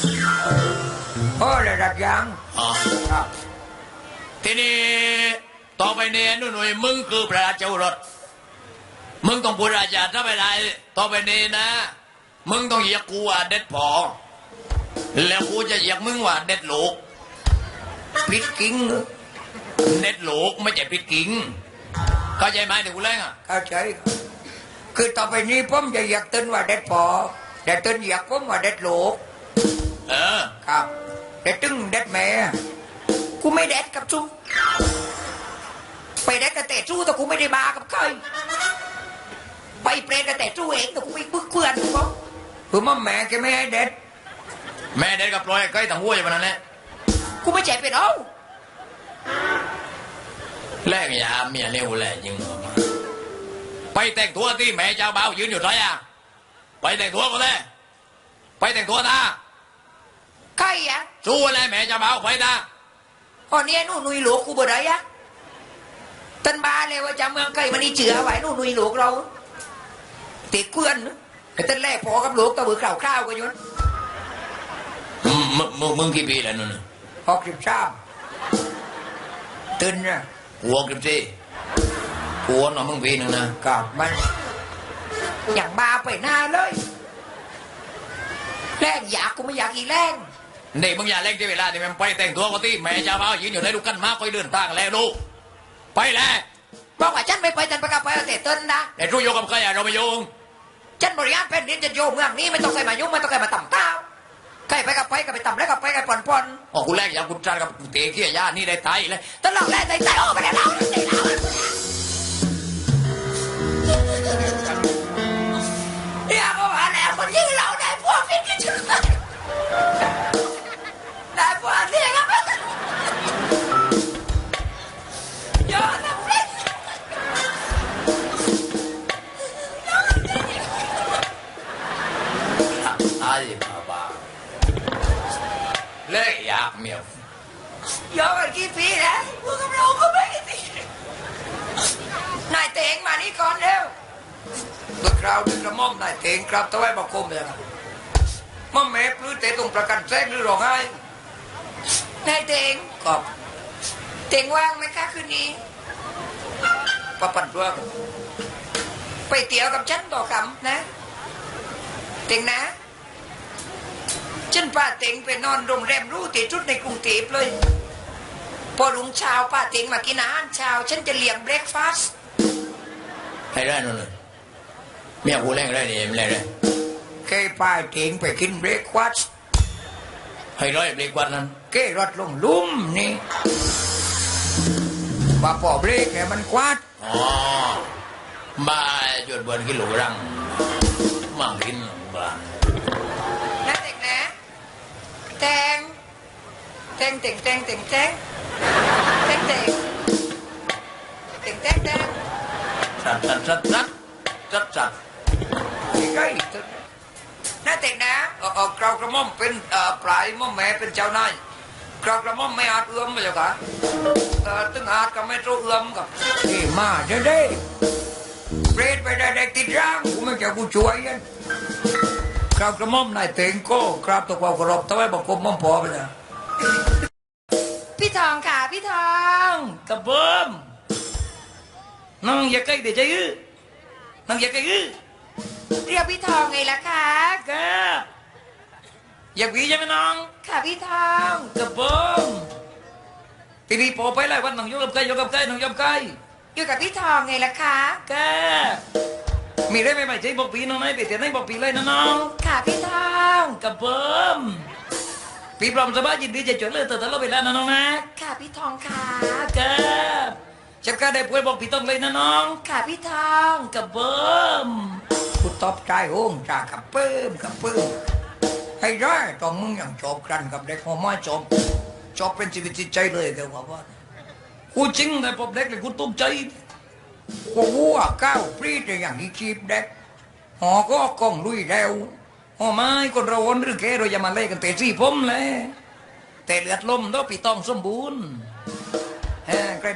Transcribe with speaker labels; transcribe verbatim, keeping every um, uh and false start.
Speaker 1: โอ้ระดับยัง
Speaker 2: อ๋อ
Speaker 1: ครับ
Speaker 2: ทีนี้ต่อไปเนี่ยนุ่นหนุ่ยมึงคือพระราชโอรสมึงต้องพูดราชาถ้าไม่ได้ต่อไปนี้นะ มึงต้องเหยียกกูว่าเด็ดพอแล้วกูจะเหยียกมึงว่าเด็ดลูก
Speaker 1: ปิดกิ้งเหรอ
Speaker 2: เด็ดลูกไม่ใช่ปิดกิ่งเข้าใจไหมเดี๋ยวกูเล่นอ่ะ
Speaker 1: เข้าใจครับคือต่อไปนี้ผมจะอยากเต้นว่าเด็ดพอแต่เต้นอยากผมว่าเด็ดลูก
Speaker 2: เออ
Speaker 1: ครับเด็ดตึงเด็ดแม่กูไม่เด็ดกับชูไปเด็ดกับแต่ชูแต่กูไม่ได้บากับใครไปเปรตกับแต่ชูเองแต่กูไม่บึกเพื่อนกูบอกคือมั่มแม่แกไม่ให้เด็ด
Speaker 2: แม่เด็ดกับปล่อยใกล้ต่างหัวอย่างนั้นแหละ
Speaker 1: กูไม่เจ็บเป็นเอา
Speaker 2: แลกยาเมียเร็วแหละยิงไปแต่งตัวที่แม่เจ้าบ่าวยืนอยู่ไรอ่ะไปแต่งตัวก็ได้ไปแต่งตัวนะ
Speaker 1: ใครอ่ะ
Speaker 2: สู้อะไรแม่เจ้าบ่าวไปนะ
Speaker 1: อ๋อเนี่ยนู่นนุยหลวกกูบ่ได้อะตันบาเลยว่าจะเมืองไกลมันนี่เจือไว้นู่นนุยหลวกเราติดเพื่อนนะไอ้ตันแรกพอกับหลวกตะบือข่าวข้าวกันอยู่นะ
Speaker 2: มึงมึงมึงมึงกี่ปีแล้วนู่นน่ะ
Speaker 1: หกสิบสามตื่นนะ
Speaker 2: หัวกี่ปีหัวหน่อมึงปีหนึ่งนะ
Speaker 1: กับมันอย่างบาไปหน้าเลยแรงอยากกูไม่อยากอีแรง
Speaker 2: เด็กมึงอย่าเล่นที่เวลาที่มันไปแต่งตัวก็ที่แม่เจ้าบ่าวยืนอยู่ในลูกกันมาคอยเดินทางแล้วลูกไปแล้ว
Speaker 1: บอกว่าฉันไม่ไปฉันไปกับไปเอาแต่ต้นนะ
Speaker 2: แต่รู้โยกับใครอะเราไม่โยง
Speaker 1: ฉันบริหารแผ่นดินจะโยมเมืองนี้ไม่ต้องใส่มายุ่งไม่ต้องใส่มาต่ำเต้าใครไปกับไปกับไปต่ำแล้วกับไปกับปอนปอน
Speaker 2: อ๋อกูแรกอยากกูจัดกับกูเตะเขี้ยย่านี่ได้ไตเลย
Speaker 1: ตลอดแรกใจใจโอ้ไปแล้วเราใจเราเนี่ยก็ว่าแล้วคนยิ่งเราได้พวกฟิตกันชุดได้พวกเนี่ยครับยอดนะฟิต
Speaker 2: ไอ้บ้าบ้าเล่อยากเมียวย
Speaker 1: อดกันกี่ปีแล้วพวกเราก็ไม่กี่ปีนายเตงมานี่ก่อนเร็วเมื่อคราวดึงกระหม่อมนายเตงครับตะไว้บอกคมเลยนะม่อมแม่ปลื้อเตะตรงประกันแทรกหรือร้องไห้นายเตงครับเตงว่างไหมคะคืนนี้ปะปันตัวครับไปเตี๋ยวกับฉันต่อคำนะเตงนะฉันป้าเตงไปนอนโรงแรมหรู้ตีชุดในกรุงเทพเลยพอลุงเช้าป้าเตงมากินอาหารเช้าฉันจะเลี้ยงเบรกฟาสต์
Speaker 2: ให้ได้นู่นเลยเมียกูแรงได้เนี่ยมันแรงได้
Speaker 1: เคยป้าเตงไปกินเบรกฟาสต์
Speaker 2: ให้ร้อยเบรกวันนั้น
Speaker 1: เก้รถลงลุ่มนี่ว่าพอเบรกเนี่ยมันควัด
Speaker 2: อ๋อบ้าจดบนกิโลรังมั่งกินบ้า
Speaker 1: นะเด็กนะแตงแตงแตงแตงแตงแตงแตงแตงแตงแตงแตง
Speaker 2: สัตว์สัตว์สัตว์สัตว์สัตว์สัตว์
Speaker 1: ใกล้นะเด็กนะเออเออกราวกระหม่อมเป็นเอ่อปลายม่อมแม่เป็นเจ้านายกราวกระหม่อมไม่อาจเอื้อมไปจ้ะค่ะเออตึงอาจก็ไม่รู้เอื้อมกับนี่มาเด้อเด้เปรตไปได้เด็กติดร่างกูไม่แก่กูช่วยกันกราวกระหม่อมนายเต็งโก้กราบตะความเคารพทำไมบอกกรมม่อมพอไปเนี่ยพี่ทองค่ะพี่ทองกระเบิ่มน้องอย่าใกล้เดี๋ยวจะยื้อน้องอย่าใกล้ยื้อเรียกพี่ทองไงล่ะคะกะอยากวีใช่ไหมน้องค่ะพี่ทองกระเบิ่มทีนี้พอไปไล่วันน้องยกกับใครยกกับใครน้องยกกับใครอยู่กับพี่ทองไงล่ะคะกะมีได้ไหมไม่ใช่บอกปีน้องไหนไปแต่ไหนบอกปีเลยนะน้องค่ะพี่ทองกระเบิ่มพี่พร้อมสบายยินดีจะช่วยเหลือตัวตลอดเวลานะน้องนะค่ะพี่ทองค่ะกะฉันก็ได้ป่วยบอกพี่ต้องเลยนะน้องค่ะพี่ทองกระเบิ่มกูตอบใจโอ้งจากกระเบิ่มกระเบิ่มให้ได้ตอนมึงยังจบกันกับเด็กหัวไม้จบจบเป็นชีวิตจิตใจเลยเดี๋ยวว่าว่ากูจริงแต่พบเด็กเลยกูตุ้มใจกูวัวก้าวปรีดอย่างที่ชีพเด็กหอก็กล้องลุยแล้วหอไม้คนเราวนหรือแกเราจะมาเล่กันเตะซี่ผมเลยแต่เลือดลมต้องปีต้องสมบูรณ์